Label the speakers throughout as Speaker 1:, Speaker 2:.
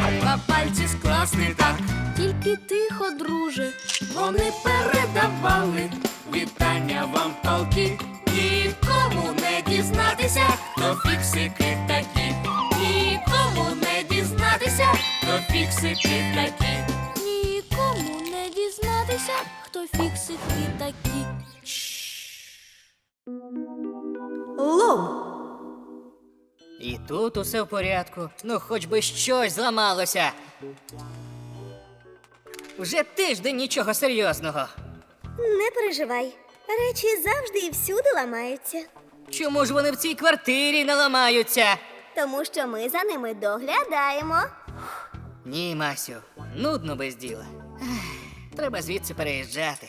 Speaker 1: Два пальці скласти так.
Speaker 2: Тільки тихо, друже.
Speaker 1: Вони передавали вітання вам полки. Нікому не дізнатися, хто фіксики такі. Нікому не дізнатися, хто фіксики такі.
Speaker 2: Нікому не дізнатися, хто фіксики такі.
Speaker 3: Лом.
Speaker 4: І тут усе в порядку. Ну, хоч би щось зламалося. Вже тиждень нічого серйозного.
Speaker 3: Не переживай. Речі завжди і всюди ламаються.
Speaker 4: Чому ж вони в цій квартирі не ламаються?
Speaker 3: Тому що ми за ними доглядаємо.
Speaker 4: Ні, Масю, нудно без діла. Треба звідси переїжджати.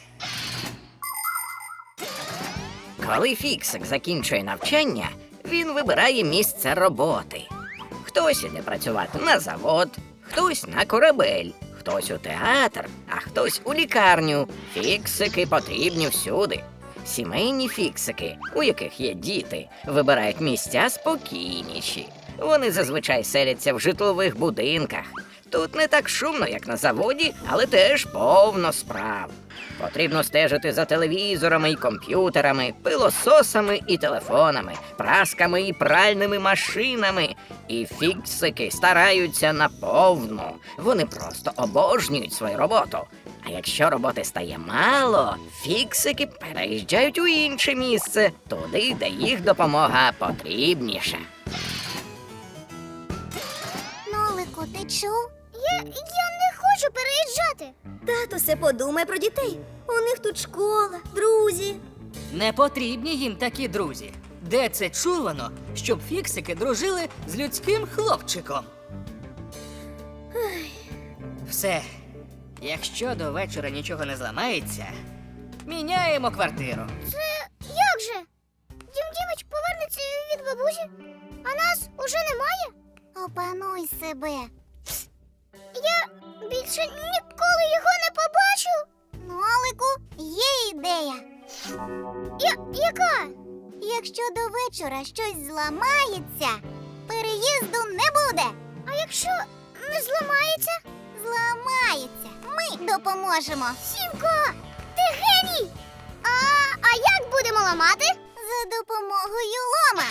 Speaker 5: Коли Фіксик закінчує навчання, він вибирає місце роботи. Хтось іде працювати на завод, хтось на корабель, хтось у театр, а хтось у лікарню. Фіксики потрібні всюди. Сімейні фіксики, у яких є діти, вибирають місця спокійніші. Вони зазвичай селяться в житлових будинках. Тут не так шумно, як на заводі, але теж повно справ. Потрібно стежити за телевізорами і комп'ютерами, пилососами і телефонами, прасками і пральними машинами. І фіксики стараються наповну. Вони просто обожнюють свою роботу. А якщо роботи стає мало, фіксики переїжджають у інше місце, туди, де їх допомога потрібніша.
Speaker 6: Нолику, ти чув? Я не хочу переїжджати.
Speaker 3: Татусе, подумай про дітей. У них тут школа, друзі.
Speaker 4: Не потрібні їм такі друзі. Де це чувано, щоб фіксики дружили з людським хлопчиком? Все. Якщо до вечора нічого не зламається, міняємо квартиру.
Speaker 6: Це як же? Дім Дімич повернеться від бабусі, а нас уже немає? Опануй себе. Я більше ніколи його не побачу. Нолику, є ідея. Яка? Якщо до вечора щось зламається, переїзду не буде. А якщо не зламається? Зламається. Ми допоможемо. Сімко, ти геній! А як будемо ламати? За допомогою лома.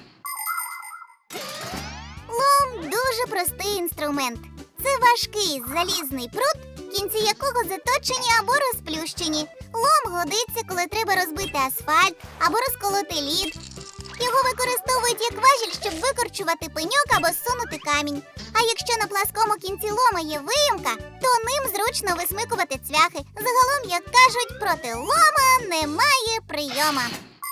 Speaker 6: Лом дуже простий інструмент. Це важкий залізний прут, кінці якого заточені або розплющені. Лом годиться, коли треба розбити асфальт або розколоти лід. Його використовують як важіль, щоб викорчувати пеньок або зсунути камінь. А якщо на пласкому кінці лома є виїмка, то ним зручно висмикувати цвяхи. Загалом, як кажуть, проти лома немає прийома.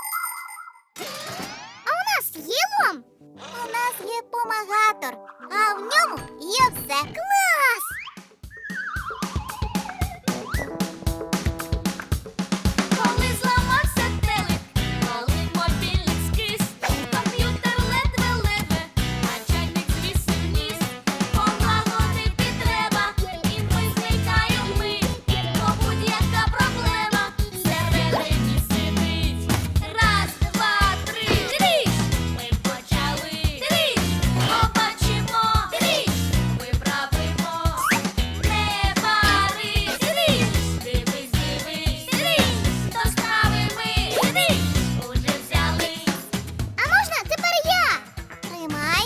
Speaker 6: А у нас є лом? У нас є помагатор, а в ньому є все. Клас!
Speaker 1: Коли зламався телек, коли мобільник скис, комп'ютер ледве-ледве, а чайник звісив ніс. Полагодити треба, і ми зникаємо ми, бо будь-яка проблема всередині сидить. Раз, два, три, тріш! Ми почали. Тріш! Побачимо. Тріш! Виправимо. Не парись. Тріш! Дивись, дивись. Тріш! До справи ми. Тріш! Уже взялись.
Speaker 6: А можна тепер я? Тримай.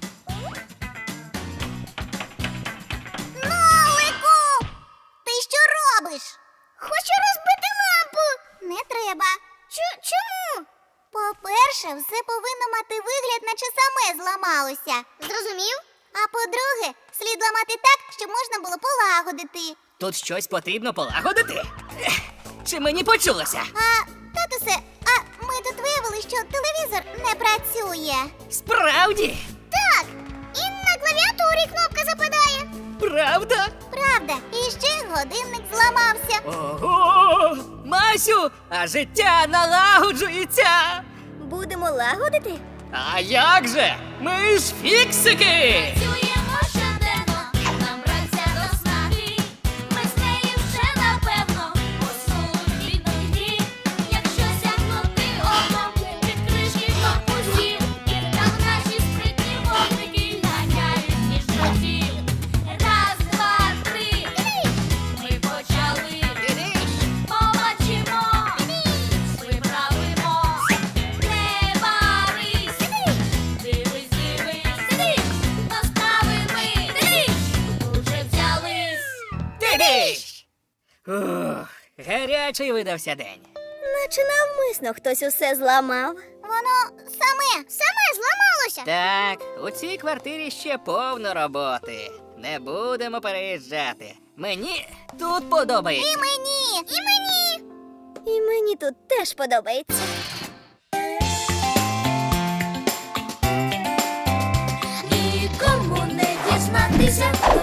Speaker 6: Нолику! Ти що робиш? Хочу розбити лампу. Не треба. Чому? По-перше, все повинно мати вигляд, наче саме зламалося. Зрозумів? А по-друге, слід ламати так, щоб можна було полагодити.
Speaker 4: Тут щось потрібно полагодити? Чи мені почулося?
Speaker 6: Татусе, ми тут виявили, що телевізор не працює.
Speaker 4: Справді?
Speaker 6: Так, і на клавіатурі кнопка западає.
Speaker 4: Правда?
Speaker 6: Правда, і ще годинник зламався.
Speaker 4: Ого! Масю, а життя налагоджується!
Speaker 3: Будемо лагодити?
Speaker 4: А як же? Ми ж фіксики!
Speaker 1: Працюємо щоденно, нам праця до снаги. Ми з нею вже напевно у службі грі. Якщо сягнути оком від кришки корпусів, там наші спритні вогники ганяють між дротів.
Speaker 4: Ух, гарячий видався день.
Speaker 3: Наче навмисно хтось усе зламав.
Speaker 6: Воно саме зламалося.
Speaker 4: Так, у цій квартирі ще повно роботи. Не будемо переїжджати. Мені тут подобається.
Speaker 6: І мені.
Speaker 3: І мені тут теж подобається.
Speaker 2: Нікому не дізнатися,